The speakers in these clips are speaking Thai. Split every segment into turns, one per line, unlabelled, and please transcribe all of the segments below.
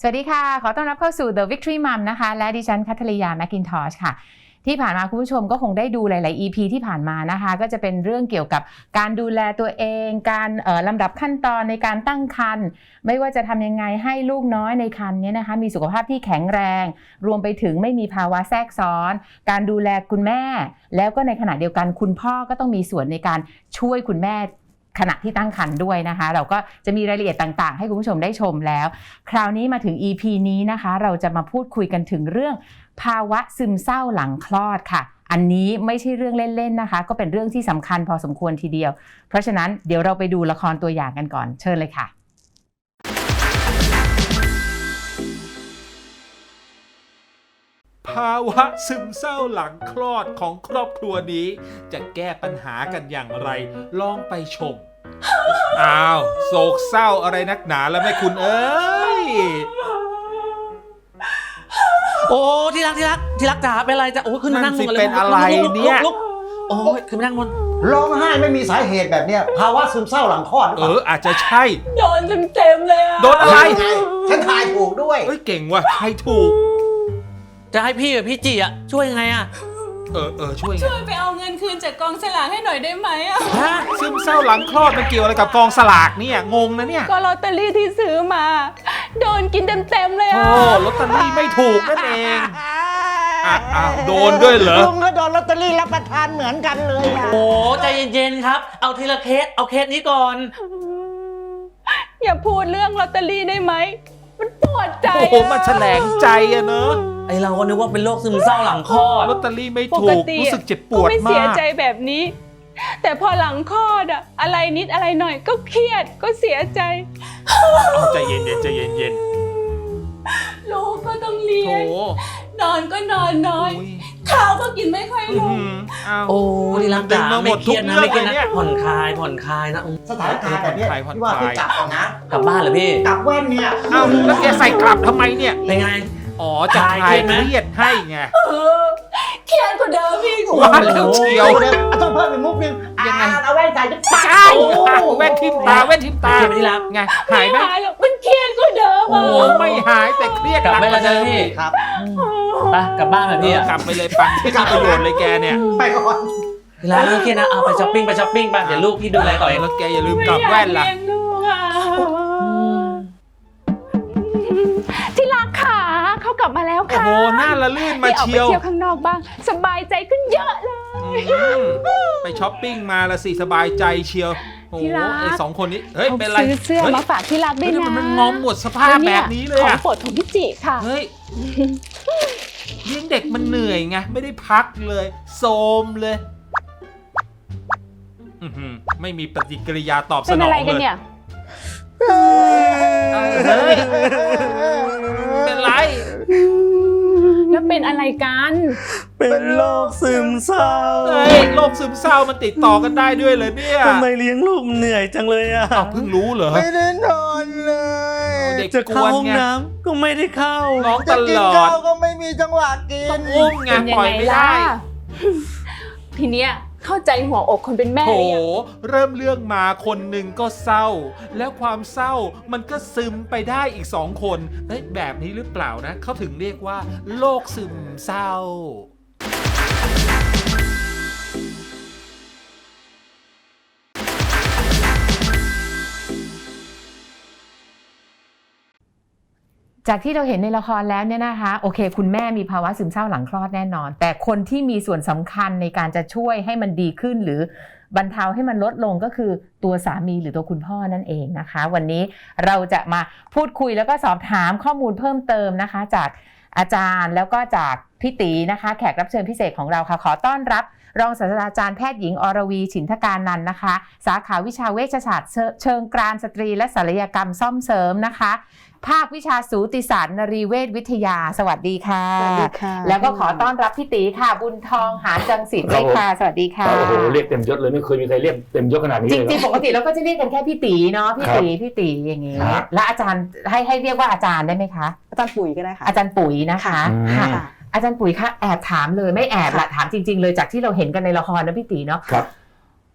วัสดีค่ะขอต้อนรับเข้าสู่ The Victory Mom นะคะและดิฉันคัทริยาแมคกินทอชค่ะที่ผ่านมาคุณผู้ชมก็คงได้ดูหลายๆ EP ที่ผ่านมานะคะก็จะเป็นเรื่องเกี่ยวกับการดูแลตัวเองการลำดับขั้นตอนในการตั้งครรภ์ไม่ว่าจะทำยังไงให้ลูกน้อยในครรภ์นี้นะคะมีสุขภาพที่แข็งแรงรวมไปถึงไม่มีภาวะแทรกซ้อนการดูแลคุณแม่แล้วก็ในขณะเดียวกันคุณพ่อก็ต้องมีส่วนในการช่วยคุณแม่ขณะที่ตั้งครรภ์ด้วยนะคะเราก็จะมีรายละเอียดต่างๆให้คุณผู้ชมได้ชมแล้วคราวนี้มาถึง EP นี้นะคะเราจะมาพูดคุยกันถึงเรื่องภาวะซึมเศร้าหลังคลอดค่ะอันนี้ไม่ใช่เรื่องเล่นๆนะคะก็เป็นเรื่องที่สำคัญพอสมควรทีเดียวเพราะฉะนั้นเดี๋ยวเราไปดูละครตัวอย่างกันก่อนเชิญเลยค่ะ
ภาวะซึมเศร้าหลังคลอดของครอบครัวนี้จะแก้ปัญหากันอย่างไรลองไปชม อ้าวโศกเศร้าอะไรนักหนาแล้วแม่คุณเอ้ย
โอ้ที่รักจ๋าเป็นอะไรจะโอ้ขึ้นมานั่งบน
เป็นอะไรเนี่ย
ลุกโอ้ยขึ้นมานั่งบน
ร้องไห้ไม่มีสาเหตุแบบเนี้ยภาวะซึมเศร้าหลังคลอดหรือเปล่า
อาจจะใช่
โดนเต็มเลยอะ
โดนอะไร
ไงฉันทายถูกด้วย
เอ้ยเก่งว่ะใครถูก
จะให้พี่กับพี่จีอ่ะช่วยยังไงอ่ะ
ช่วยไง
ช่วยไปเอาเงินคืนจากกองสลากให้หน่อยได้ไหมอะ
ฮะซึมเศร้าหลังคลอดมันเกี่ยวอะไรกับกองสลากเนี่ยงงนะเนี่ย
ก็ลอตเตอรี่ที่ซื้อมาโดนกินเต็มเลย
โอ้
อะ
ลอตเตอรี่ไม่ถูกนั่นเองอ้าวโดนด้วยเหรอ
ลุงก็โดนลอตเตอรี่รับประทานเหมือนกันเลยอะ
โอ้ใจเย็นๆครับเอาทีละเคสเอาเคสนี้ก่อน
อย่าพูดเรื่องลอตเตอรี่ได้ไหมมันปวดใจ
โอ้โหมันแฉลงใจอะเนอะ
ไอเราก็นึกว่าเป็นโรคซึมเศร้าหลังคลอด
ลอตเตอรี่ไม่
ป
ถู
ก
ก
ติ
รู้สึกเจ็บป
ก็
วด
ไม่
มา
เสีย
ก
ใจแบบนี้ แต่พอหลังคลอดอะอะไรนิดอะไรหน่อยก็เครียดก็เสียใจ
เอาใจเย็นๆใจเย็น
ลูกก็ต้องเรี
ๆโถ
ยนนอนก็นอนน้อย
อุ๊ย
ข้าวก็กินไม่ค่อยลง
อ้าว
โอ้ที่รัก
ดึง
จ๋า
มาหม
ไม่
ด
เค
ทุ
รี
ก
ยดนะ
เรื่อง
ไม่เครียด
เลยเนี่ย
นะผ่อนคลายนะ
สถานการณ์แบบเนี้ย
ผ่อนคลาย
ที่ว่าพี่กลับก่อนนะ
กลับบ้านเหรอพี่
กลับแว่นเนี่ย
อ้าวแล้วแกใส่กลับทำไมเนี่ย
เป็นไง
อ๋อจะคลายเครียดให้ไง
เครียดกว่าเดิมพี่
ว่าแล้วเชียว
เดี๋ยวต้องเพิ่มอีกมุกนึง
ยังไง
เอาแว่นใส่จะ
ใช่แว่นทิ่มตาแว่นทิ่มตา
เครียดไหมที่รัก
ไงหายไหม
ไม่หายหรอกมันเครียดกว่าเดิม
โอ้
อะ
ไม่หายแต่เครียด
กลับ
หนัก
ไป
กว่า
แล้ว
เดิม
นะพี่
อีก
ครับ
ไปกลับบ้านแบบพี่อ่ะ
กลับไปเลยปังไม่มีประโยชน์เลยแกเนี่ย
ไปก่อน
ที่รักไม่เครียดนะเอาไปช้อปปิ้งไปเดี๋ยวลูกพี่ดูแลต่อเอง
แล้วแกอย่าลืมกลับแว่นล่ะ
ไม่อยากเลี้ยงลูกอะที่รักขาเขากลับมาแล้ว
โอ้
ค่ะ
โหหน้าละลื่นมา
ได้ออก
เชี
ไป
ยว
เที่ยวข้างนอกบ้าง สบายใจขึ้นเยอะเลย
ไปช้อปปิ้งมาละสิสบายใจเชียวโอ้โห
ที่รัก
ไอ้สองคนนี้เฮ้ย
เขา
เป็นไร
ซื้อเสื้อ
ฮ้ย
มาฝากที่รักด้วย
เฮ้ย
นะ
มันงอมหมดสภาพแบบนี้เลย
ของ
อะ
โปรดของพี่จิค่ะ
เฮ้ยเลี้ยงเด็กมันเหนื่อยไงไม่ได้พักเลยโซมเลยไม่มีปฏิกิริยาตอบส
เป็น
นอ
อะไร
ง
กัน
เลย
เนี่ย
เฮ้ยเป็นไร
แล้วเป็นอะไรกัน
เป็นโรคซึมเศร้า
เฮ้ยโรคซึมเศร้ามันติดต่อกันได้ด้วยเหรอเนี่ย
ทำไมเลี้ยงลูกเหนื่อยจังเลยอ่ะ
อ้าวเพิ่งรู้เหรอ
ไม่ได้นอนเลย
เด็ก
จะ
ก
เข้า
วน
ห้อง
ไง
น้ำก็ไม่ได้เข้า
ร้องต
จะกิน
ลอ
ข้า
ด
วก็ไม่มีจังหวะกิน
ต้องอุ้มไง
เป็นยั
ปล่อย
ไง
ไม่
ล่ะ
ได้
ทีเนี้ยเข้าใจหัวอกคนเป็นแม่
โถ
หรือยัง
เริ่มเรื่องมาคนหนึ่งก็เศร้า แล้วความเศร้ามันก็ซึมไปได้อีกสองคนเฮ้ยแบบนี้หรือเปล่านะเขาถึงเรียกว่าโรคซึมเศร้า
จากที่เราเห็นในละครแล้วเนี่ยนะคะโอเคคุณแม่มีภาวะซึมเศร้าหลังคลอดแน่นอนแต่คนที่มีส่วนสำคัญในการจะช่วยให้มันดีขึ้นหรือบรรเทาให้มันลดลงก็คือตัวสามีหรือตัวคุณพ่อนั่นเองนะคะวันนี้เราจะมาพูดคุยแล้วก็สอบถามข้อมูลเพิ่มเติมนะคะจากอาจารย์แล้วก็จากพี่ตีนะคะแขกรับเชิญพิเศษของเราค่ะขอต้อนรับรองศาสตราจารย์แพทย์หญิงอรวีฉินทการนันท์นะคะสาขาวิชาเวชศาสตร์เชิงกรานสตรีและศัลยกรรมซ่อมเสริมนะคะภาควิชาสูติศาสตร์นรีเวชวิทยาสวัสดีค่ะ
สวัสดีค่ะ
แล้วก็ขอต้อนรับพี่ตีค่ะบุญทองหาญจังสิทธิ์ด้วยค่ะสวัสดีค่ะ
โอ้โหเรียกเต็มยศเลยไม่เคยมีใครเรียกเต็มยศขนาดนี้
จ
เลย
ริง
นะ
ๆปกติเราก็จะเรียกกันแค่พี่ตีเนาะพี่ตีอย่างงี้
ครับ
และอาจารย์ให้เรียกว่าอาจารย์ได้ไหมคะ
อาจารย์ปุ๋ยก็ได้ค่ะ
อาจารย์ปุ๋ยนะคะ
อืม
ค่ะอาจารย์ปุ๋ยคะแอบถามเลยไม่แอบละถามจริงๆเลยจากที่เราเห็นกันในละครนะพี่ตีเนาะ
ครับ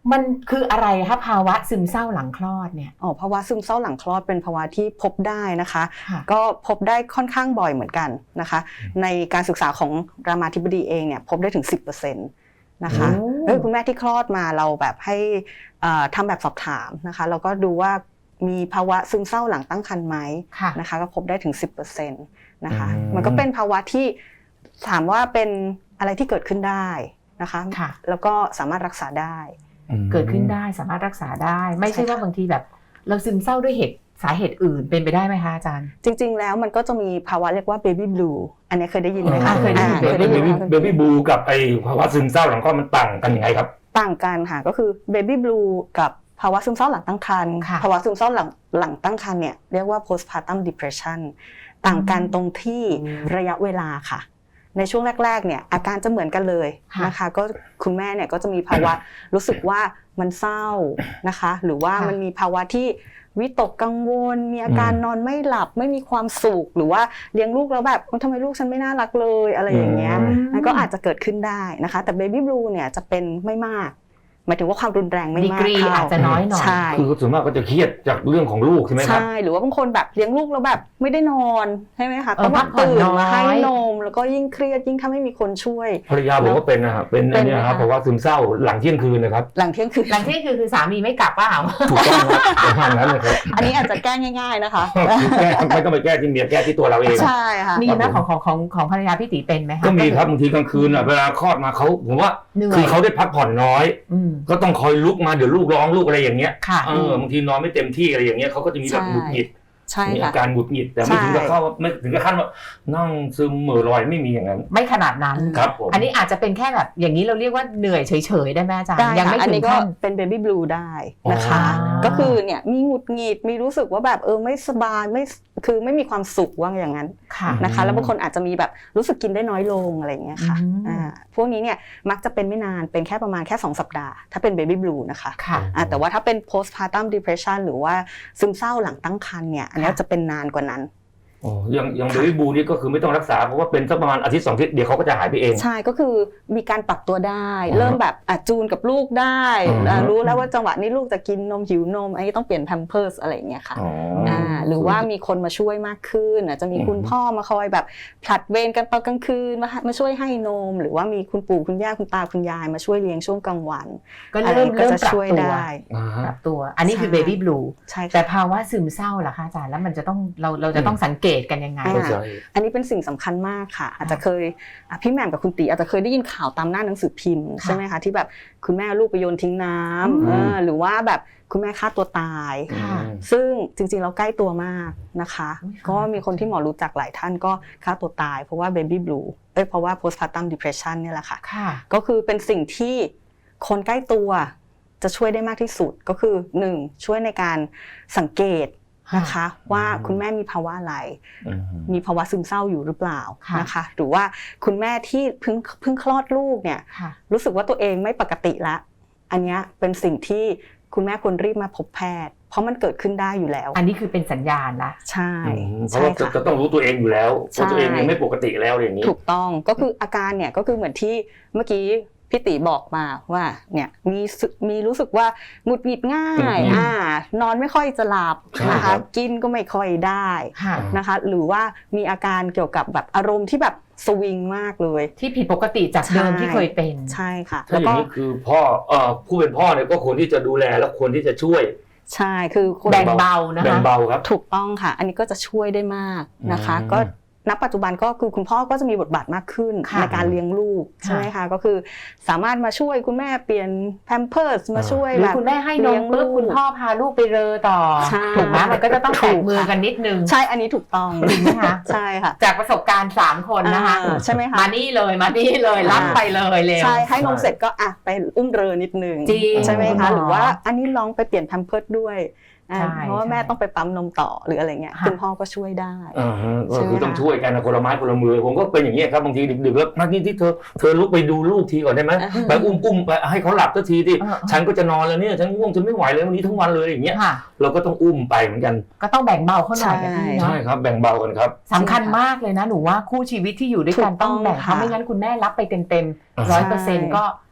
มันคืออะไรคะภาวะซึมเศร้าหลังคลอดเนี่ย
ภาวะซึมเศร้าหลังคลอดเป็นภาวะที่พบได้นะคะ
ค่ะ
ก็พบได้ค่อนข้างบ่อยเหมือนกันนะคะ ในการศึกษาของรามาธิบดีเองเนี่ยพบได้ถึง 10%นะคะคุณแม่ที่คลอดมาเราแบบให้ทำแบบสอบถามนะคะแล้วก็ดูว่ามีภาวะซึมเศร้าหลังตั้งครรภ์ไหมนะคะก็พบได้ถึง 10%นะคะมันก็เป็นภาวะที่ถามว่าเป็นอะไรที่เกิดขึ้นได้นะคะแล้วก็สามารถรักษาได้
เกิดขึ้นได้สามารถรักษาได้ไม่ใช่ว่าบางทีแบบเราซึมเศร้าด้วยสาเหตุอื่นเป็นไปได้ไหมคะอาจารย์
จริงๆแล้วมันก็จะมีภาวะเรียกว่า baby blue อันนี้เคยได้ยินไหมคะ
เคยได้ยิน
baby blue กับไอภาวะซึมเศร้าหลังคลอดมันต่างกันยังไงครับ
ต่างกันค่ะก็คือ baby blue กับภาวะซึมเศร้าหลังตั้งครรภ์ภาวะซึมเศร้าหลังตั้งครรภ์เนี่ยเรียกว่า postpartum depression ต่างกันตรงที่ระยะเวลาค่ะในช่วงแรกๆเนี่ยอาการจะเหมือนกันเลยนะคะก็คุณแม่เนี่ยก็จะมีภาวะรู้สึกว่ามันเศร้านะคะหรือว่ามันมีภาวะที่วิตกกังวลมีอาการนอนไม่หลับไม่มีความสุขหรือว่าเลี้ยงลูกแล้วแบบทำไมลูกฉันไม่น่ารักเลยอะไรอย่างเงี้ยนั่นก็อาจจะเกิดขึ้นได้นะคะแต่ baby blue เนี่ยจะเป็นไม่มากหมายถึงว่าความรุนแรงไม่มาก
อาจจะน้อยหน่อย
คือส่วนมากก็จะเครียดจากเรื่องของลูกใช่ไหมครับ
ใช่หรือว่าบางคนแบบเลี้ยงลูกแล้วแบบไม่ได้นอนใช่ไหมคะต้องตื่นมาให้นมแล้วก็ยิ่งเครียดยิ่งถ้าไม่มีคนช่วย
ภรรยาผมก็เป็นนะครับเป็นอันนี้ครับเพราะว่าซึมเศร้าหลังเที่ยงคืนนะครับ
หลังเที่ยงคืน
คือสามีไม่กลับเปล่า
ถูกต้องครับประมาณนั้นเลยครับ
อันนี้อาจจะแก้ง่ายๆนะคะ
แก้ไม่ต้องไปแก้ที่เมียแก้ที่ตัวเราเอง
ใช่ค่ะ
มีนะของภรรยาพี่ตีเป็นไหมคะ
ก็มีครับบางทีกลางคืนเวลาคลอดมาเขาผมว่าคือเขาได้พักผ่อนน้อยก็ต้องคอยลุกมาเดี๋ยวลูกร้องลูกอะไรอย่างเงี้ยบางทีนอนไม่เต็มที่อะไรอย่างเงี้ยเขาก็จะมีแบบหงุดหงิดมีอาการหงุดหงิดแต่ไม่ถึงกับเข้าไม่ถึงกับขั้นว่านั่งซึมเหม่อลอยไม่มีอย่างนั้น
ไม่ขนาดนั้น
ครับผม
อันนี้อาจจะเป็นแค่แบบอย่างนี้เราเรียกว่าเหนื่อยเฉยๆได้ไหมอาจารย์
ยังไม่ถึงขั้นเป็น baby blue ได้นะคะก็คือเนี่ยมีหงุดหงิดมีรู้สึกว่าแบบไม่สบายคือไม่มีความสุขว่าอย่างนั้นนะคะแล้วบางคนอาจจะมีแบบรู้สึกกินได้น้อยลงอะไรอย่างเงี้ยค่ะพวกนี้เนี่ยมักจะเป็นไม่นานเป็นแค่ประมาณแค่2สัปดาห์ถ้าเป็น baby blue นะคะแต่ว่าถ้าเป็น postpartum depression หรือว่าซึมเศร้าหลังตั้งครรภ์เนี่ยอันนี้จะเป็นนานกว่านั้น
อย่างเบบี้บลูนี่ก็คือไม่ต้องรักษาเพราะว่าเป็นสักประมาณอาทิตย์2 อาทิตย์เดี๋ยวเขาก็จะหายไปเอง
ใช่ก็คือมีการปรับตัวได้เริ่มแบบจูนกับลูกได้รู้แล้วว่าจังหวะนี้ลูกจะกินนมหิวนมอันนี้ต้องเปลี่ยนแพมเพิร์สอะไรอย่างเงี้ยค่ะหรือว่ามีคนมาช่วยมากขึ้นจะมีคุณพ่อมาคอยแบบผลัดเวรกันตอนกลางคืนมาช่วยให้นมหรือว่ามีคุณปู่คุณย่าคุณตาคุณยายมาช่วยเลี้ยงช่วงกลางวัน
ก็เริ่มจะช่วยได้ปรับตัวอันนี้คือเบบี้บลูแต่ภาวะซึมเศร้าล่ะคะอาจารย์แล้วมันจะต้องเราจะต้องสังเกตกันยังไง
อันนี้เป็นสิ่งสำคัญมากค่ะอาจจะเคยพี่แหม่มกับคุณตีอาจจะเคยได้ยินข่าวตามหน้าหนังสือพิมพ์ใช่ไหมคะที่แบบคุณแม่ลูกไปโยนทิ้งน้ำหรือว่าแบบคุณแม่ฆ่าตัวตายซึ่งจริงๆเราใกล้ตัวมากนะคะก็มีคนที่หมอรู้จักหลายท่านก็ฆ่าตัวตายเพราะว่า baby blue เพราะว่า postpartum depression เนี่ยแหละค่ะก็คือเป็นสิ่งที่คนใกล้ตัวจะช่วยได้มากที่สุดก็คือ1ช่วยในการสังเกตนะคะว่าคุณแม่มีภาวะอะไรมีภาวะซึมเศร้าอยู่หรือเปล่านะคะหรือว่าคุณแม่ที่เพิ่งคลอดลูกเนี่ยรู้สึกว่าตัวเองไม่ปกติละอันนี้เป็นสิ่งที่คุณแม่ควรรีบมาพบแพทย์เพราะมันเกิดขึ้นได้อยู่แล้ว
อันนี้คือเป็นสัญญาณละ
ใช่
เพราะว่าจะต้องรู้ตัวเองอยู่แล้วว่าตัวเองยังไม่ปกติแล้วอย่างนี้
ถูกต้องก็คืออาการเนี่ยก็คือเหมือนที่เมื่อกี้พี่ติบอกมาว่าเนี่ยมีรู้สึกว่าหงุดหงิดง่ายนอนไม่ค่อยจะหลับนะคะกินก็ไม่ค่อยได้นะคะหรือว่ามีอาการเกี่ยวกับแบบอารมณ์ที่แบบสวิงมากเลย
ที่ผิดปกติจากเดิมที่เคยเป็น
ใช่ค่ะ
แล้วอย่างนี้คือพ่อผู้เป็นพ่อเนี่ยก็ควรที่จะดูแลและควรที่จะช่วย
ใช่คือ
แบ่งเบานะคะ
แบ่งเบาครับ
ถูกต้องค่ะอันนี้ก็จะช่วยได้มากนะคะก็ณปัจจุบันก็คือคุณพ่อก็จะมีบทบาทมากขึ้นในการเลี้ยงลูกใช่ไหมคะก็คือสามารถมาช่วยคุณแม่เปลี่ยนแพมเพิร์สมาช่วยแบบ
คุณแม่ให้นมปุ๊บคุณพ่อพาลูกไปเรอต่อถูกไหมมันก็จะต้องแตะมือกันนิดนึง
ใช่อันนี้ถูกต้อง
จริงไหมคะ
ใช่ค่ะ
จากประสบการณ์3คนนะคะ
ใช่ไหมคะ
มานี่เลยรับไปเลยเลย
ใช่ให้นมเสร็จก็ไปอุ้มเรอนิดนึงใช่ไหมคะหรือว่าอันนี้ลองไปเปลี่ยนแพมเพิร์สด้วยเพราะว่าแม่ต้องไปปั๊มนมต่อหรืออะไรเงี้ยคุณพ่อก็ช่วยได้
ก็คือต้องช่วยกันนะคนละไม้คนละมือผมก็เป็นอย่างนี้ครับบางทีดึกๆแล้วนัดนี้ที่เธอลุกไปดูลูกทีก่อนได้ไหมไปอุ้มไปให้เขาหลับสักทีที่ฉันก็จะนอนแล้วเนี่ยฉันง่วงฉันไม่ไหวเลยวันนี้ทั้งวันเลยอย่างเงี้ยเราก็ต้องอุ้มไปเหมือนกัน
ก็ต้องแบ่งเบาเขาหน่อย
ใช่ครับแบ่งเบากันครับ
สำคัญมากเลยนะหนูว่าคู่ชีวิตที่อยู่ด้วยกันต้องแบ่งเขาไม่งั้นคุณแม่รับไปเต็ม 100% ก็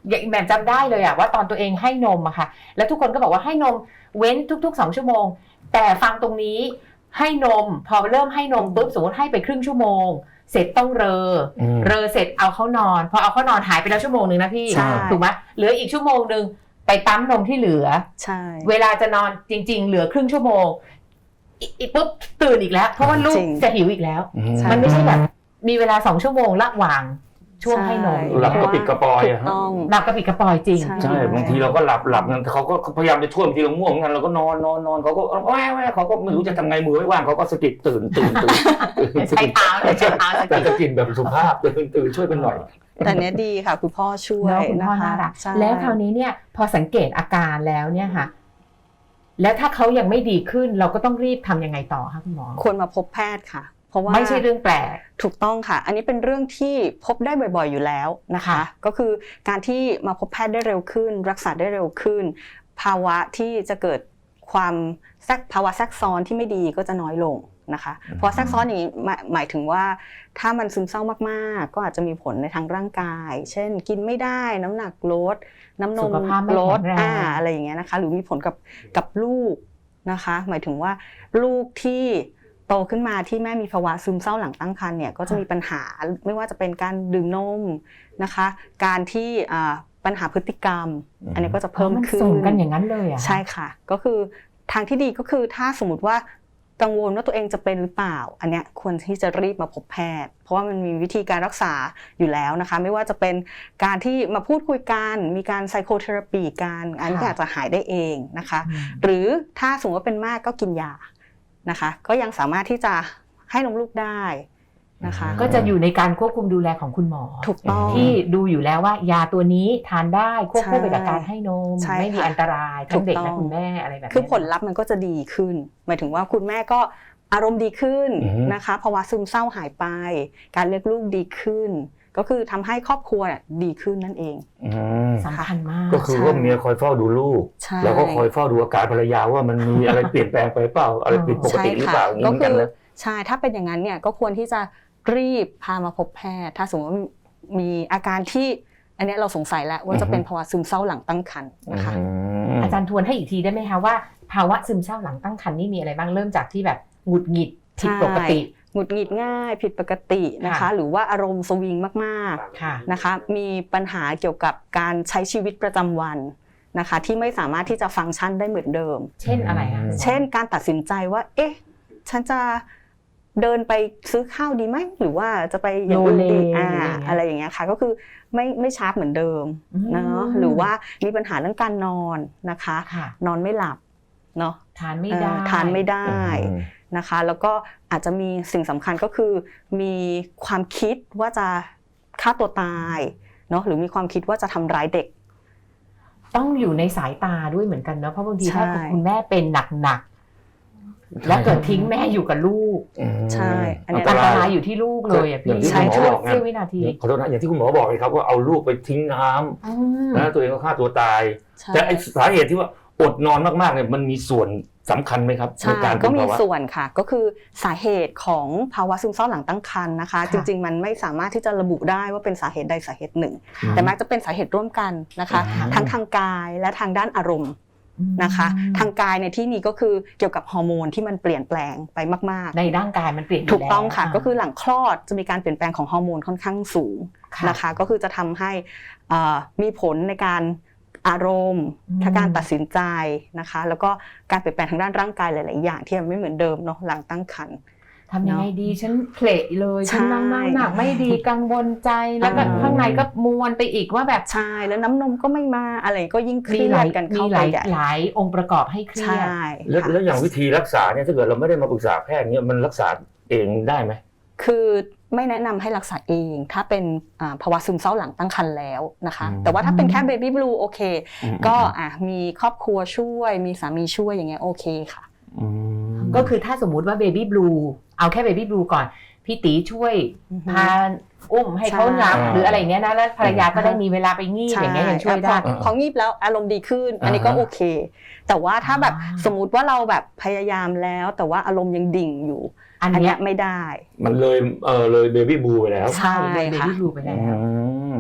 อย่างแบบจำได้เลยอะว่าตอนตัวเองให้นมอะค่ะแล้วทุกคนก็บอกว่าให้นมเว้นทุกๆ2 ชั่วโมงแต่ฟังตรงนี้ให้นมพอเริ่มให้นมปุ๊บสมมติให้ไปครึ่งชั่วโมงเสร็จต้องเรอเสร็จเอาเข้านอนพอเอาเข้านอนหายไปแล้วชั่วโมงนึงนะพี่ถูกไหมเหลืออีกชั่วโมงนึงไปปั๊มนมที่เหลือ
ใช่
เวลาจะนอนจริงๆเหลือครึ่งชั่วโมงอีกปุ๊บตื่นอีกแล้วเพราะว่าลูกจะหิวอีกแล้วมันไม่ใช่แบบมีเวลา2 ชั่วโมงระหว่างช่วงให้นม
หลับกระปิดกระปอยอะฮะ
หลับกระปิดกระปอยจริง
ใช่บางทีเราก็หลับงั้นเขาก็พยายามจะช่วยบางทีเราง่วงงั้นเราก็นอนเขาก็แว่เขาก็ไม่รู้จะทำไงมือไม่ว่างเขาก็สะกิดตื่น
ใช้เท้า
แต่สะกิดแบบสุภาพตื่นช่วยกันหน่อย
แต่เนี้ยดีค่ะคุณพ่อช่วย
คุณพ่อ
นะคะ
น่ารักแล้วคราวนี้เนี่ยพอสังเกตอาการแล้วเนี่ยค่ะแล้วถ้าเขายังไม่ดีขึ้นเราก็ต้องรีบทำยังไงต่อคะคุณหมอ
ควรมาพบแพทย์ค่ะเพราะว่า
ไม่ใช่เรื่องแปลก
ถูกต้องค่ะอันนี้เป็นเรื่องที่พบได้บ่อยๆอยู่แล้วนะคะก็คือการที่มาพบแพทย์ได้เร็วขึ้นรักษาได้เร็วขึ้นภาวะที่จะเกิดภาวะแทรกซ้อนที่ไม่ดีก็จะน้อยลงนะคะเพราะแทรกซ้อนอย่างนี้หมายถึงว่าถ้ามันซึมเศร้ามากๆก็อาจจะมีผลในทางร่างกายเช่นกินไม่ได้น้ำหนักลดน้ำนมลดอะไรอย่างเงี้ยนะคะหรือมีผลกับลูกนะคะหมายถึงว่าลูกที่โตขึ้นมาที่แม่มีภาวะซึมเศร้าหลังตั้งครรภ์เนี่ยก็จะมีปัญหาไม่ว่าจะเป็นการดื่มนมนะคะการที่ปัญหาพฤติกรรมอันนี้ก็จะเพิ่มขึ้น
ส่งกันอย่างนั้นเลยอ่ะ
ใช่ค่ะก็คือทางที่ดีก็คือถ้าสมมติว่ากังวลว่าตัวเองจะเป็นหรือเปล่าอันเนี้ยควรที่จะรีบมาพบแพทย์เพราะว่ามันมีวิธีการรักษาอยู่แล้วนะคะไม่ว่าจะเป็นการที่มาพูดคุยกันมีการไซโคเทอราปีกันอันนี้อาจจะหายได้เองนะคะหรือถ้าสมมติว่าเป็นมากก็กินยานะคะก็ยังสามารถที่จะให้นมลูกได้นะคะ
ก็จะอยู่ในการควบคุมดูแลของคุณหมอ
ถูกต้อง
ที่ดูอยู่แล้วว่ายาตัวนี้ทานได้ควบคู่ไปกับการให้นมไม่มีอันตรายทั้งเด็กและคุณแม่อะไรแบบนี้
คือผลลัพธ์มันก็จะดีขึ้นหมายถึงว่าคุณแม่ก็อารมณ์ดีขึ้นนะคะภาวะซึมเศร้าหายไปการเลี้ยงลูกดีขึ้นก็คือทำให้ครอบครัวดีขึ้นนั่นเอง
สำคัญมาก
ก็คือว่าเมียคอยเฝ้าดูลูกแล้วก็คอยเฝ้าดูอาการภรรยาว่ามันมีอะไรเปลี่ยนแปลงไปเปล่าอะไรผิดปกติหรือเปล่าอย่างนี้กันนะ
ใช่ถ้าเป็นอย่างนั้นเนี่ยก็ควรที่จะรีบพามาพบแพทย์ถ้าสมมติว่ามีอาการที่อันนี้เราสงสัยแล้วว่าจะเป็นภาวะซึมเศร้าหลังตั้งครรภ์นะคะ
อาจารย์ทวนให้อีกทีได้ไหมคะว่าภาวะซึมเศร้าหลังตั้งครรภ์นี่มีอะไรบ้างเริ่มจากที่แบบหงุดหงิดผิดปกติ
หงุดหงิดง่ายผิดปกตินะคะหรือว่าอารมณ์สวิงมากๆนะคะมีปัญหาเกี่ยวกับการใช้ชีวิตประจำวันนะคะที่ไม่สามารถที่จะฟังก์ชันได้เหมือนเดิม
เช่นอะไรคะ
เช่นการตัดสินใจว่าเอ๊ะฉันจะเดินไปซื้อข้าวดีไหมหรือว่าจะไปอย่างอื่นดีอะไรอย่างเงี้ยค่ะก็คือไม่ชาร์ปเหมือนเดิมเนาะหรือว่ามีปัญหาเรื่องการนอนนะคะนอนไม่หลับเนาะ
ทานไม่ได้
นะคะแล้วก็อาจจะมีสิ่งสำคัญก็คือมีความคิดว่าจะฆ่าตัวตายเนาะหรือมีความคิดว่าจะทำร้ายเด็ก
ต้องอยู่ในสายตาด้วยเหมือนกันเนาะเพราะบางทีถ้าคุณแม่เป็นหนักแล้วเกิดทิ้งแม่อยู่กับลูก
ใช่
อันนี้อันตรายอยู่ที่ลูกเลยอ่ะพี่
ใช่
ช่วยเสี้ยววินาที
ขอโทษนะอย่างที่คุณหมอบอกเลยครับว่าเอาลูกไปทิ้งน้ำแล้วตัวเองก็ฆ่าตัวตายแต่ไอ้สาเหตุที่ว่าอดนอนมากๆเนี่ยมันมีส่วนสำคัญไหมครับ
ในการก็มีส่วนค่ะก็คือสาเหตุของภาวะซึมเศร้าหลังตั้งครรภ์นะคะจริงๆมันไม่สามารถที่จะระบุได้ว่าเป็นสาเหตุใดสาเหตุหนึ่งแต่มักจะเป็นสาเหตุร่วมกันนะคะทั้งทางกายและทางด้านอารมณ์นะคะทางกายในที่นี้ก็คือเกี่ยวกับฮอร์โมนที่มันเปลี่ยนแปลงไปมาก
ๆในร่างกายมันเปลี่ยน
ถูกต้องค่ะก็คือหลังคลอดจะมีการเปลี่ยนแปลงของฮอร์โมนค่อนข้างสูงนะคะก็คือจะทำให้มีผลในการอารมณ์การตัดสินใจนะคะแล้วก็การเปลี่ยนแปลงทางด้านร่างกายหลายๆอย่างที่มันไม่เหมือนเดิมเนาะหลังตั้งครรภ์
ทำยังไงดีฉันเพลทเลยฉันนั่งหนักไม่ดีกังวลใจแล้วก็ข้างในก็มวนไปอีกว่าแบบ
ใช่แล้วน้ำนมก็ไม่มาอะไรก็ยิ่งเครียดกันเข้าไป
หลายองค์ประกอบให้เครียด
แล้วอย่างวิธีรักษาเนี่ยถ้าเกิดเราไม่ได้มาปรึกษาแพทย์เนี่ยมันรักษาเองได้ไหม
คือไม่แนะนำให้รักษาเองถ้าเป็นภาวะซึมเศร้าหลังตั้งครรภ์แล้วนะคะแต่ว่าถ้าเป็นแค่เบบี้บลูโอเคก็มีครอบครัวช่วยมีสามีช่วยอย่างเงี้ยโอเคค่ะ
ก็คือถ้าสมมุติว่าเบบี้บลูเอาแค่เบบี้บลูก่อนพี่ตีช่วยพาอุ้มให้เขาหลับหรืออะไรเงี้ยนะแล้วภรรยาก็ได้มีเวลาไปงีบอย่างเงี้ยยังช่วยได้
พองีบแล้วอารมณ์ดีขึ้นอันนี้ก็โอเคแต่ว่าถ้าแบบสมมุติว่าเราแบบพยายามแล้วแต่ว่าอารมณ์ยังดิ่งอยู่อันนี้ไม่ได้
มันเลยเบบี้บลูไปแล้ว
ใช่เบบี้บลูไปแล้ว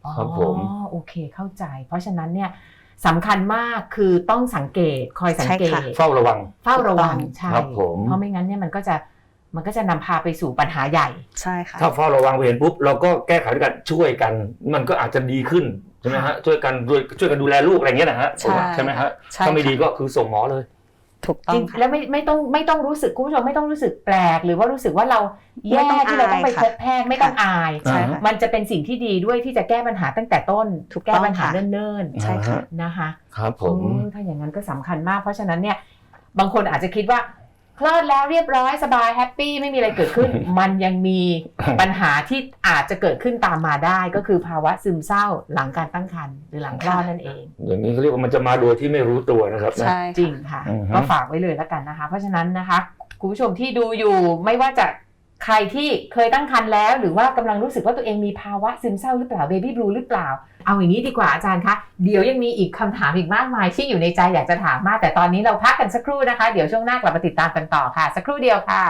ครับผม
อ๋อโอเคเข้าใจ เพราะฉะนั้นเนี่ยสำคัญมากคือต้องสังเกตคอยสังเกต
เฝ้าระวัง
เฝ้าระวังใช่
ครับผม
เพราะไม่งั้นเนี่ยมันก็จะนำพาไปสู่ปัญหาใหญ่
ใช่ค่ะ
ถ้าเฝ้าระวังเห็นปุ๊บเราก็แก้ไขด้วยกันช่วยกัน มันก็อาจจะดีขึ้นใช่ไหมฮะช่วยกันดูแลลูกอะไรเงี้ยนะฮะ
ใช่
ไหมฮะ
ใช่
ถ้าไม่ดีก็คือส่งหมอเลย
ถูกต้อ
จริ
ง
ง
ค่ะ
แล้วไม่ต้องรู้สึกคุณผู้ชมไม่ต้องรู้สึกแปลก หรือว่ารู้สึกว่าเราแย่
ไม่ต้อง
ที่เราต้องไป
อาย
พบแพทย์ไม่ต้องอาย
ใช่ค่ะ
มันจะเป็นสิ่งที่ดีด้วยที่จะแก้ปัญหาตั้งแต่ต้น
ถูกต้อง
แก้ปัญหา
ค่ะ
เนิ่น
ใช่ค่ะ
ๆนะคะ
ครับผม
ถ้าอย่างนั้นก็สำคัญมาก เพราะฉะนั้นเนี่ยบางคนอาจจะคิดว่าคลอดแล้วเรียบร้อยสบายแฮปปี้ไม่มีอะไรเกิดขึ้น มันยังมีปัญหาที่อาจจะเกิดขึ้นตามมาได้ ก็คือภาวะซึมเศร้าหลังการตั้งครรภ์หรือหลังคลอดนั่นเอง
อย่างนี้เขาเรียกว่ามันจะมาโดยที่ไม่รู้ตัวนะครับนะ
ใช่
จริงค่ะ
อือฮึ
ก็ฝากไว้เลยแล้วกันนะคะ เพราะฉะนั้นนะคะคุณผู้ชมที่ดูอยู่ไม่ว่าจะใครที่เคยตั้งครรภ์แล้ว หรือว่ากำลังรู้สึกว่าตัวเองมีภาวะซึมเศร้าหรือเปล่าเบบี้บลูหรือเปล่าเอาอย่างนี้ดีกว่าอาจารย์คะเดี๋ยวยังมีอีกคำถามอีกมากมายที่อยู่ในใจอยากจะถามมากแต่ตอนนี้เราพักกันสักครู่นะคะเดี๋ยวช่วงหน้ากลับมาติดตามกันต่อค่ะสักครู่เดียวค่ะ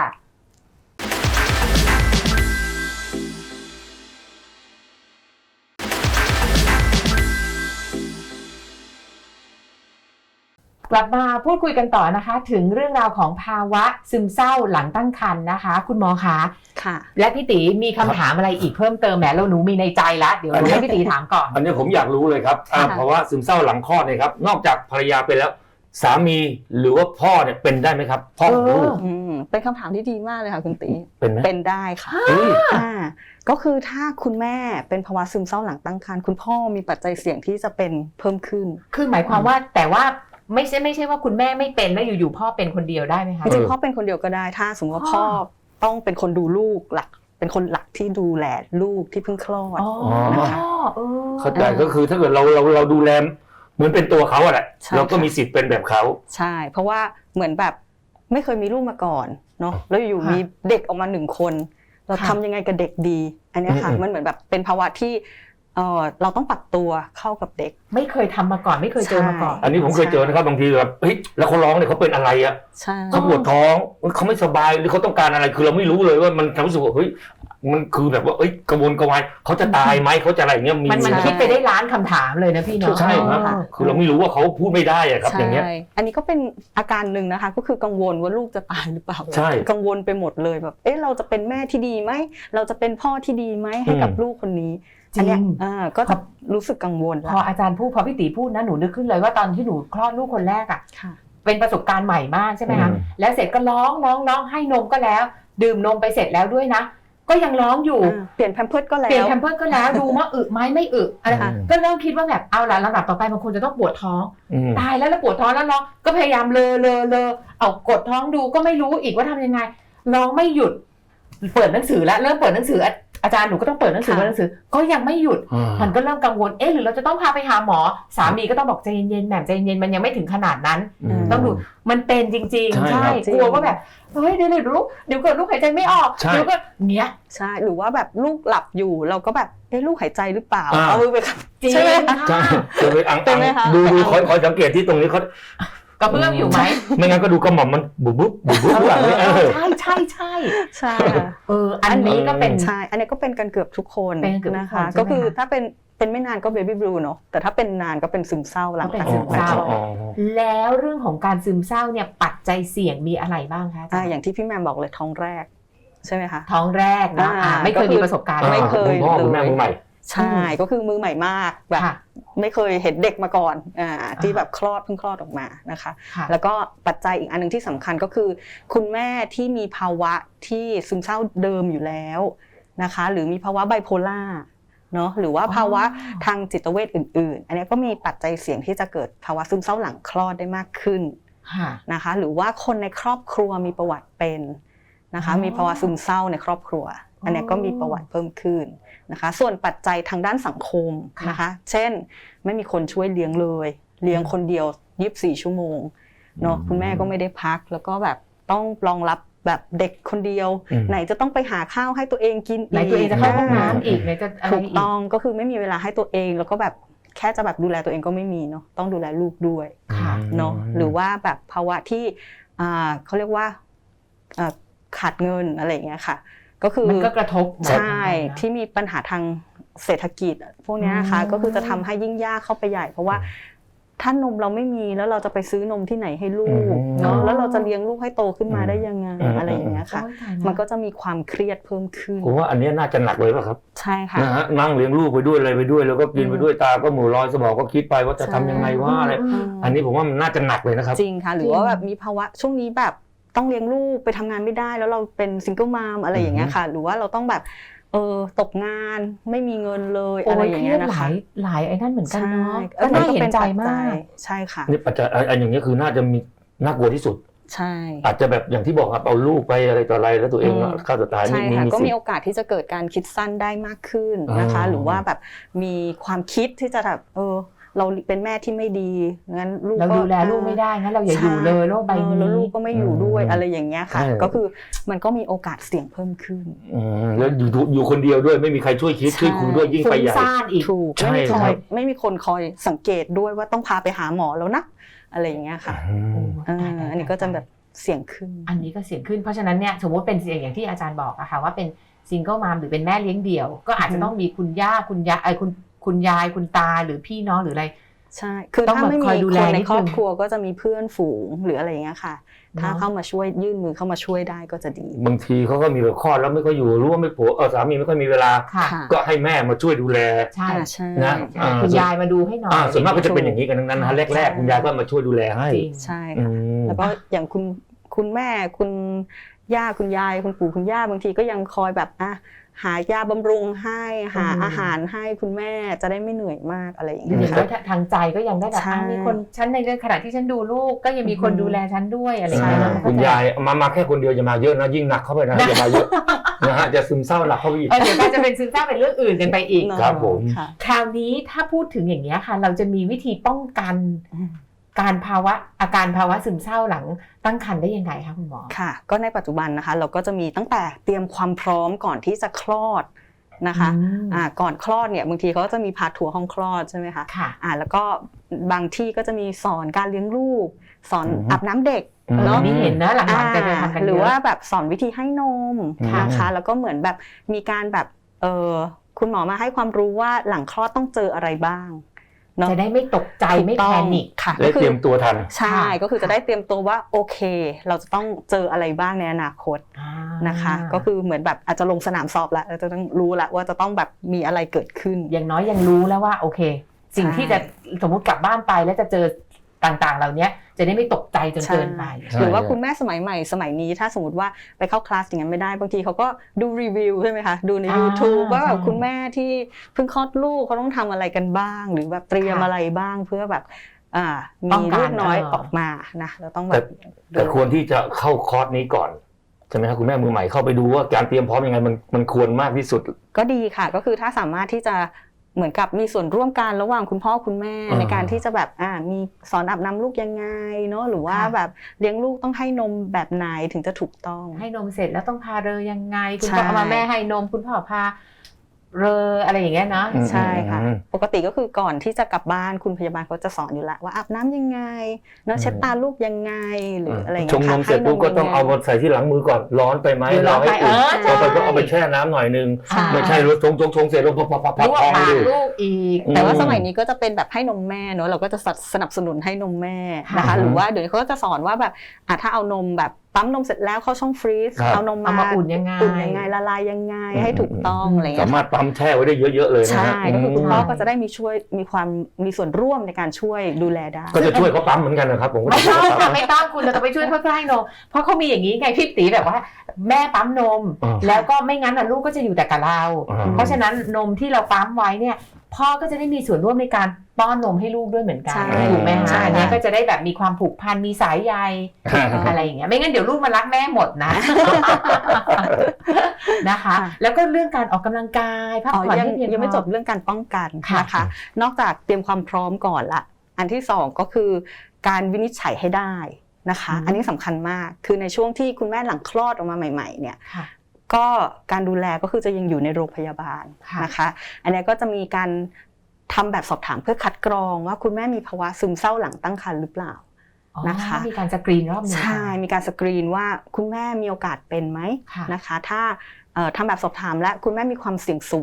กลับมาพูดคุยกันต่อนะคะ ถึงเรื่องราวของภาวะซึมเศร้าหลังตั้งครรภ์นะคะ คุณหมอคะ
ค่ะ
และพี่ตีมีคำถามอะไรอีกเพิ่มเติมแหมเราหนูมีในใจแล้วเดี๋ยวให้พี่ตีถามก่อน
อันนี้ผมอยากรู้เลยครับ
ค่ะ
ภาวะซึมเศร้าหลังคลอดเนี่ยครับนอกจากภรรยาเป็นแล้วสามีหรือว่าพ่อเนี่ยเป็นได้ไหมครับพ่อของลูก
เป็นคำถามที่ดีมากเลยค่ะคุณตี
เป็นไหม
เป็นได้ค่ะ
เฮ้ย
ก็คือถ้าคุณแม่เป็นภาวะซึมเศร้าหลังตั้งครรภ์คุณพ่อมีปัจจัยเสี่ยงที่จะเป็นเพิ่มขึ้น
คือหมายความว่าแต่ว่าไม่ใช่ว่าคุณแม่ไม่เป็นแล้วอยู่ๆพ่อเป็นคนเดียวได้ไหมคะ
จริงๆพ่อเป็นคนเดียวก็ได้ถ้าสมมติว่าพ่อต้องเป็นคนดูลูกหลัก เป็นคนหลักที่ดูแลลูกที่เพิ่งคลอด
อ๋อ
นะคะ
เข้าใจก็คือถ้าเกิดเราดูแลเหมือนเป็นตัวเขาอะแหละ
ใช่
เราก็มีสิทธิ์เป็นแบบเขา
ใช่ เพราะว่าเหมือนแบบไม่เคยมีลูกมาก่อนเนาะแล้วอยู่มีเด็กออกมา1 คน เราทำยังไงกับเด็กดี อันเนี้ยค่ะมันเหมือนแบบเป็นภาวะที่เราต้องปรับตัวเข้ากับเด็ก
ไม่เคยทำมาก่อนไม่เคยเจอมาก่อน
อันนี้ผมเคยเจอนะครับบางทีแบบเฮ้ยแล้วเขาร้องเนี่ยเขาเป็นอะไรอะ
ใช่
เขาปวดท้องเขาไม่สบายหรือเขาต้องการอะไรคือเราไม่รู้เลยว่ามันทำให้รู้สึกว่าเฮ้ยมันคือแบบว่าเอ้ยกระวนกระวายเขาจะตายไหมเขาจะอะไรอย่างเงี้ยมี
มันคิดไปได้ล้านคำถามเลยนะพี่เนาะ
ใช่ครับคือเราไม่รู้ว่าเขาพูดไม่ได้อะครับอย่างเงี้ย
ใช่อันนี้ก็เป็นอาการหนึ่งนะคะ ก็คือกังวลว่าลูกจะตายหรือเปล่า
ใช่
กังวลไปหมดเลยแบบเราจะเป็นแม่ที่ดีไหมเราจะเป็นพ่อที่ดีไหมให้กับลูกคนนี้
จริ
อันเนี้ย
ง
ก็จะรู้สึกกังวล
พออาจารย์พูดพอพี่ตีพูดนะหนูนึกขึ้นเลยว่าตอนที่หนูคลอดลูกคนแรกอ่ะ
ค่ะ
เป็นประสบการณ์ใหม่มากใช่ไหมคะแล้วเสร็จก็ร้องให้นมก็แล้ว ดื่มนมไปเสร็จแล้วด้วยนะก็ยังร้องอยู่
เปลี่ยนแพมเพิร์สก็แล้ว
เปลี่ยนแพมเพิร์สก็แล้วดูว่าอึไหมไม่อึอะไร
ค่ะ
ก็เริ่มคิดว่าแบบเอาละลำดับต่อไปบางคนจะต้องปวดท้อง ตายแล้วปวดท้องแล้วร้องก็พยายามเลอเอากดท้องดูก็ไม่รู้อีกว่าทำยังไงร้องไม่หยุดเปิดหนังสือแล้วเริ่มเปิดหนังสืออาจารย์หนูก็ต้องเปิดหนังสือก็ยังไม่หยุดมันก็เริ่มกังวลหรือเราจะต้องพาไปหาหมอสามีก็ต้องบอกใจเย็นๆแหม่มใจเย็นมันยังไม่ถึงขนาดนั้นต้องดูมันเป็นจริงๆ
ใช่
ใช่กลัวว่าแบบเฮ้ยเดี๋ยวเกิดลูกหายใจไม่ออก
ใช่
เดี๋ยวก็เนี้ย
ใช่หรือว่าแบบลูกหลับอยู่เราก็แบบลูกหายใจหรือเปล่า
อ่า
เอามือไป
จริง
ใช่ไหมคะ
ใช่จะไปอัง
เป็นไหมคะ
ดูคอยสังเกตที่ตรงนี้เขา
กระเพื่อมอยู่ไหม
ไม่งั้นก็ดูกระหม่อมมันบุบหลังนี่
ใช่
ใช่
อันนี้ก็เป็น
ใช่อันนี้ก็เป็นกันเกือบทุกคน
เป็นกันเกือบทุก
นะ
คน
คะ
ใช่ไหมคะ
ก็คือถ้าเป็นไม่นานก็เบบี้บลูเนาะแต่ถ้าเป็นนานก็เป็นซึมเศร้าหลัง
ก็เป็น
จาก
ซึมเศร้า
คลอด
แล้วเรื่องของการซึมเศร้าเนี่ยปัจจัยเสี่ยงมีอะไรบ้างคะอาจารย์
อย่างที่พี่แมมบอกเลยท้องแรกใช่ไหมคะ
ท้องแรกนะไม่เคยมีประสบการณ์
ไม่เคย
ณพ่อคุณแม่มือใหม่
ใช่ก็คือมือใหม่มากแบบ
ค่ะ
ไม่เคยเห็นเด็กมาก่อนที่แบบเพิ่งคลอดออกมานะคะ
ค่ะ
แล้วก็ปัจจัยอีกอันนึงที่สำคัญก็คือ คุณแม่ที่มีภาวะที่ซึมเศร้าเดิมอยู่แล้วนะคะหรือมีภาวะไบโพล่าเนาะหรือว่าภาวะทางจิตเวชอื่นๆ อันนี้ก็มีปัจจัยเสี่ยงที่จะเกิดภาวะซึมเศร้าหลังคลอดได้มากขึ้น
ค่ะ
นะคะหรือว่าคนในครอบครัวมีประวัติเป็นนะคะมีภาวะซึมเศร้าในครอบครัว อันนี้ก็มีประวัติเพิ่มขึ้นนะคะส่วนปัจจัยทางด้านสังคมนะคะเช่นไม่มีคนช่วยเลี้ยงเลยเลี้ยงคนเดียว24 ชั่วโมงเนาะคุณแม่ก็ไม่ได้พักแล้วก็แบบต้องรองรับแบบเด็กคนเดียวไหนจะต้องไปหาข้าวให้ตัวเองกินอีก
ไหนตัวเองจะเข้าห้องน้ำอีกไหนจะอะไร
ถูก
อีก
ต้องก็คือไม่มีเวลาให้ตัวเองแล้วก็แบบแค่จะแบบดูแลตัวเองก็ไม่มีเนาะต้องดูแลลูกด้วย
ค่ะ
เนาะหรือว่าแบบภาวะที่เขาเรียกว่าขาดเงินอะไรอย่างเงี้ยค่ะก็คือ
มันก็กระทบ
ใช่ที่มีปัญหาทางเศรษฐกิจพวกนี้นะคะก็คือจะทำให้ยิ่งยากเข้าไปใหญ่เพราะว่าถ้านมเราไม่มีแล้วเราจะไปซื้อนมที่ไหนให้ลูกเนาะแล้วเราจะเลี้ยงลูกให้โตขึ้นมาได้ยังไงอะไรอย่างเงี้ยค่ะมันก็จะมีความเครียดเพิ่มขึ้น
ผมว่าอันนี้น่าจะหนักเลยป่ะครับ
ใช่ค่ะ
นะฮะนั่งเลี้ยงลูกไปด้วยอะไรไปด้วยแล้วก็กินไปด้วยตาก็หมู่ลอยสมองก็คิดไปว่าจะทำยังไงว่าอะไรอันนี้ผมว่ามันน่าจะหนักเลยนะครับ
จริงค่ะหรือว่าแบบมีภาวะช่วงนี้แบบต้องเลี้ยงลูกไปทำงานไม่ได้แล้วเราเป็นซิงเกิลมามอะไรอย่างเงี้ยค่ะหรือว่าเราต้องแบบตกงานไม่มีเงินเลยอะไรอย่างเงี้ยนะคะ
หลายไอ้นั่นเหมือนกันเนาะก็น่าเห็นใจมาก
ใช่ค่ะ
นี่ปัจจัยอันอย่างนี้คือน่าจะมีน่ากลัวที่สุด
ใช่
อาจจะแบบอย่างที่บอกครับเอาลูกไปอะไรต่ออะไรแล้วตัวเองฆ่าตัวตาย
ใช่ค่ะก็มีโอกาสที่จะเกิดการคิดสั้นได้มากขึ้นนะคะหรือว่าแบบมีความคิดที่จะแบบเราเป็นแม่ที่ไม่ดีงั้นลูก
เราดูแลลูกไม่ได้งั้นเราอย่าอยู่เลยโลกใบนี้
แล้วลูกก็ไม่อยู่ด้วยอะไรอย่างเงี้ยค่ะก็คือมันก็มีโอกาสเสี่ยงเพิ่มขึ้น
แล้วอยู่คนเดียวด้วยไม่มีใครช่วยคิดช่วยคุยด้วยยิ่งไปใหญ่
ถูกไม่มีคนคอยสังเกตด้วยว่าต้องพาไปหาหมอแล้วนะอะไรอย่างเงี้ยค่ะอันนี้ก็จะแบบเสี่ยงขึ้น
อันนี้ก็เสี่ยงขึ้นเพราะฉะนั้นเนี่ยสมมติเป็นเสี่ยงอย่างที่อาจารย์บอกอะค่ะว่าเป็นซิงเกิลมามหรือเป็นแม่เลี้ยงเดี่ยวก็อาจจะต้องมีคุณย่าคุณยายคุณตาหรือพี่น้องหรืออะไร
ใช่คือถ้าไม่มีคนในครอบครัวก็จะมีเพื่อนฝูงหรืออะไรอย่างเงี้ยค่ะถ้าเข้ามาช่วยยื่นมือเข้ามาช่วยได้ก็จะดี
บางทีเขาก็มีแบบคลอดแล้วไม่ค่อยอยู่รู้ว่าไม่ผัวสามีไม่ค่อยมีเวลาก็ให้แม่มาช่วยดูแล
ใช่
นะ
คุณยายมาดูให้หน่อย
ส่วนมากก็จะเป็นอย่างนี้กันทั้งนั้นนะแรกๆคุณยายก็มาช่วยดูแลให้
ใช่แล้วก็อย่างคุณแม่คุณย่าคุณยายคุณปู่คุณย่าบางทีก็ยังคอยแบบหายาบำรุงให้หาอาหารให้คุณแม่จะได้ไม่เหนื่อยมากอะไรอย่างเงี้ย
ค่ะทางใจก็ยังได้แบบมีคนฉันในเรื่องขณะที่ฉันดูลูกก็ยังมีคนดูแลฉันด้วยอะไรอย่างเงี้ย
คุณยายมาแค่คนเดียวอย่ามาเยอะนะยิ่งหนักเข้าไปนะอย่ามาเยอะนะฮะจะซึมเศร้าหนักเข้าไปอีก
เดี๋ยวก็จะเป็นซึมเศร้าเป็นเรื่องอื่นกันไปอีก
ครับผม
คราวนี้ถ้าพูดถึงอย่างเงี้ยค่ะเราจะมีวิธีป้องกันอาการภาวะซึมเศร้าหลังตั้งครรภ์ได้ยังไงคะคุณหมอ
ค่ะก็ในปัจจุบันนะคะเราก็จะมีตั้งแต่เตรียมความพร้อมก่อนที่จะคลอดนะคะก่อนคลอดเนี่ยบางทีเขาก็จะมีพาทัวร์ห้องคลอดใช่ไหมคะแล้วก็บางที่ก็จะมีสอนการเลี้ยงลูกสอนอาบน้ำเด็ก
เนาะนี่เห็นนะหลังๆจะทำกัน
หรือว่าแบบสอนวิธีให้นมนะคะแล้วก็เหมือนแบบมีการแบบคุณหมอมาให้ความรู้ว่าหลังคลอดต้องเจออะไรบ้าง
จะได้ไม่ตกใจไม่แพนิค
ค่ะ
ได้เตรียมตัวทัน
ใช่ก็คือจะได้เตรียมตัวว่าโอเคเราจะต้องเจออะไรบ้างในอนาคตนะคะก็คือเหมือนแบบอาจจะลงสนามสอบแล้วเราจะต้องรู้แล้วว่าจะต้องแบบมีอะไรเกิดขึ้น
อย่างน้อยยังรู้แล้วว่าโอเคสิ่งที่จะสมมุติกลับบ้านไปแล้วจะเจอต่างๆเหล่านี้จะได้ไม่ตกใจจนเกินไป
หรือว่าคุณแม่สมัยใหม่สมัยนี้ถ้าสมมติว่าไปเข้าคลาสอย่างนั้นไม่ได้บางทีเขาก็ดูรีวิวใช่ไหมคะดูใน YouTube ว่าแบบคุณแม่ที่เพิ่งคลอดลูกเขาต้องทำอะไรกันบ้างหรือแบบเตรียมอะไรบ้างเพื่อแบบมีลูกน้อยออกมานะเราต้องแบบ
แต่ควรที่จะเข้าคอร์สนี้ก่อนใช่ไหมครับคุณแม่มือใหม่เข้าไปดูว่าการเตรียมพร้อมยังไงมันควรมากที่สุด
ก็ดีค่ะก็คือถ้าสามารถที่จะเหมือนกับมีส่วนร่วมกันระหว่างคุณพ่อคุณแม่ในการที่จะแบบมีสอนอาบน้ำลูกยังไงเนาะหรือว่าแบบเลี้ยงลูกต้องให้นมแบบไหนถึงจะถูกต้อง
ให้นมเสร็จแล้วต้องพาเรอยังไงคุณพ่อเอามาแม่ให้นมคุณพ่อพาเรออะไรอย่างเงี้ยนะ
ใช่ค่ะปกติก็คือก่อนที่จะกลับบ้านคุณพยาบาลเขาจะสอนอยู่แล้วว่าอาบน้ำยังไงเนาะเช็ดตาลูกยังไงหรืออะไรอย่างเงี้ย
ชงนมเสร็จปุ๊บก็ต้องเอามาใส่ที่หลังมือก่อนร้อนไปไหมเราให้อุ่นเราไปก็เอาไปแช่น้ำหน่อยนึงไม่ใช่ชงเสร็จแล้วพับ
ลูกอีก
แต่ว่าสมัยนี้ก็จะเป็นแบบให้นมแม่เนาะเราก็จะสนับสนุนให้นมแม่นะคะหรือว่าเดี๋ยวเขาก็จะสอนว่าแบบถ้าเอานมแบบปั๊มนมเสร็จแล้วเข้าช่องฟรีซเอานมมา
อุ่นยังไง
ละลายยังไงให้ถูกต้องอะไรอย่างเงี้ย
สามารถปั๊มแช่ไว้ได้เยอะๆเลยนะ
ใช่ก็คือคุณพ่อก็จะได้มีส่วนร่วมในการช่วยดูแลได้
ก็จะช่วยเขาปั๊มเหมือนกันนะครับผม
ไม่ต้องคุณเราจะไปช่วยเขาให้นมเพราะเขามีอย่างนี้ไงพี่ตีแบบว่าแม่ปั๊มนมแล้วก็ไม่งั้นลูกก็จะอยู่แต่กับเราเพราะฉะนั้นนมที่เราปั๊มไว้เนี่ยพ่อก็จะได้มีส่วนร่วมในการป้อนนมให้ลูกด้วยเหมือนกันถูกไหมคะอันนี้ก็จะได้แบบมีความผูกพันมีสายใยอะไรอย่างเงี้ยไม่งั้นเดี๋ยวลูกมารักแม่หมดนะนะคะแล้วก็เรื่องการออกกำลังกายพักผ่อนให้เพียงพอ
ยังไม่จบเรื่องการป้องกันนะคะนอกจากเตรียมความพร้อมก่อนละอันที่2ก็คือการวินิจฉัยให้ได้นะคะอันนี้สำคัญมากคือในช่วงที่คุณแม่หลังคลอดออกมาใหม่ๆเนี่ยก็การดูแลก็คือจะยังอยู่ในโรงพยาบาลนะคะอันนี้ก็จะมีการทำแบบสอบถามเพื่อคัดกรองว่าคุณแม่มีภาวะซึมเศร้าหลังตั้งครรภ์หรือเปล่านะคะ
มีการสกรีนรอบนึง
ใช่มีการสกรีนว่าคุณแม่มีโอกาสเป็นไหมนะคะถ้าทำแบบสอบถามและคุณแม่มีความเสี่ยงสูง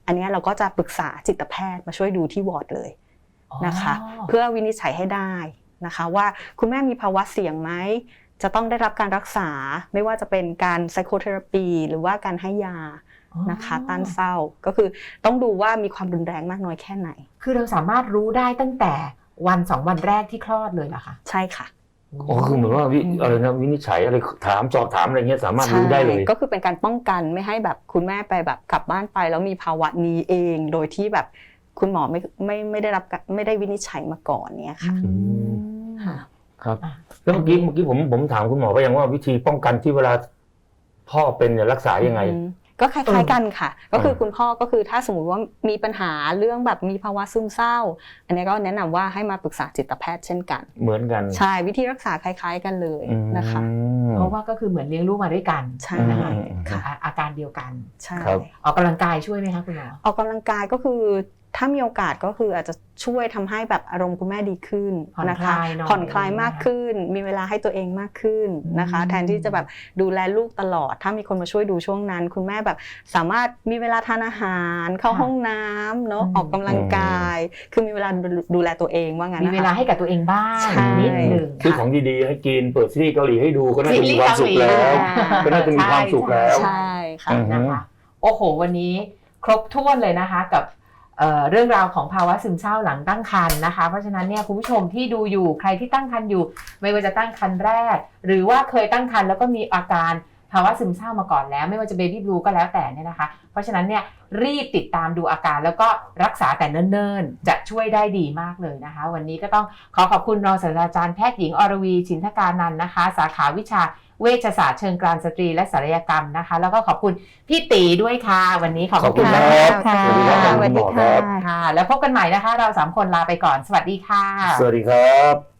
อันเนี้ยเราก็จะปรึกษาจิตแพทย์มาช่วยดูที่วอร์ดเลยนะคะ เพื่อวินิจฉัยให้ได้นะคะว่าคุณแม่มีภาวะเสี่ยงไหมจะต้องได้รับการรักษาไม่ว่าจะเป็นการไซโคเทอราปีหรือว่าการให้ยานะคะต้านเศร้าก็คือต้องดูว่ามีความรุนแรงมากน้อยแค่ไหน
คือเราสามารถรู้ได้ตั้งแต่วัน2 วันแรกที่คลอดเลยเหรอคะ
ใช่ค่ะ
อ๋อคือเหมือนว่าอะไรนะวินิจฉัยอะไรถามสอบถามอะไรเงี้ยสามารถรู้ได้เลย
ก็คือเป็นการป้องกันไม่ให้แบบคุณแม่ไปแบบกลับบ้านไปแล้วมีภาวะนี้เองโดยที่แบบคุณหมอไม่ได้วินิจฉัยมาก่อนเนี่ยค่ะ ค่ะ
ครับแล้วเมื่อกี้ผมถามคุณหมอไปยังว่าวิธีป้องกันที่เวลาพ่อเป็นเนี่ยรักษายังไง
ก็คล้ายๆกันค่ะก็คือคุณพ่อก็คือถ้าสมมติว่ามีปัญหาเรื่องแบบมีภาวะซึมเศร้าอันนี้ก็แนะนำว่าให้มาปรึกษาจิตแพทย์เช่นกัน
เหมือนกัน
ใช่วิธีรักษาคล้ายๆกันเลยนะคะ
เพราะว่าก็คือเหมือนเลี้ยงลูกมาด้วยกัน
ใช่
นะคะ
ค่ะ
อาการเดียวกัน
ใช่
ครับ
ออกกำลังกายช่วยไหมคะคุณหมอ
ออกกำลังกายก็คือถ้ามีโอกาสก็คืออาจจะช่วยทำให้แบบอารมณ์คุณแม่ดีขึ้นนะคะ ผ่อนคลายมากขึ้นมีเวลาให้ตัวเองมากขึ้นนะคะแทนที่จะแบบดูแลลูกตลอดถ้ามีคนมาช่วยดูช่วงนั้น คุณแม่แบบสามารถมีเวลาทานอาหารเข้าห้องน้ำเนาะออกกำลังกายคือมีเวลาดูแลตัวเองว่างั้น
มี
นะคะ
เวลาให้กับตัวเองบ้าง
ใช่
นิดหนึ่ง
ซื้อของดีๆให้กินเปิดซีรีส์เกาหลีให้ดูก็น่าจะมีความสุข
ซีรีส์
แล้ว
เกาหลี
ก็น่าจะมีความสุขแล้ว
ใช่ค่ะ
นะคะโอ้โหวันนี้ครบถ้วนเลยนะคะกับเรื่องราวของภาวะซึมเศร้าหลังตั้งครรภ์นะคะเพราะฉะนั้นเนี่ยคุณผู้ชมที่ดูอยู่ใครที่ตั้งครรภ์อยู่ไม่ว่าจะตั้งครรภ์แรก หรือว่าเคยตั้งครรภ์แล้วก็มีอาการภาวะซึมเศร้ามาก่อนแล้วไม่ว่าจะเบบี้บลูก็แล้วแต่เนี่ยนะคะเพราะฉะนั้นเนี่ยรีบติดตามดูอาการแล้วก็รักษาแต่เนิ่นๆจะช่วยได้ดีมากเลยนะคะวันนี้ก็ต้องขอขอบคุณรองศาสตราจารย์แพทย์หญิงอรวีชินทการนันท์นะคะสาขาวิชาเวชศาสตร์เชิงกรานสตรีและศัลยกรรมนะคะแล้วก็ขอบคุณพี่ตีด้วยค่ะวันนี้ขอบ
ขอบคุ
คุณ
ณ
มาก
ครับ
ค่ะ
สวัสดีครับ
สวัสดีค่ะ
ค่ะแล้วพบกันใหม่นะคะเรา3 คนลาไปก่อนสวัสดีค่ะ
สวัสดีครับ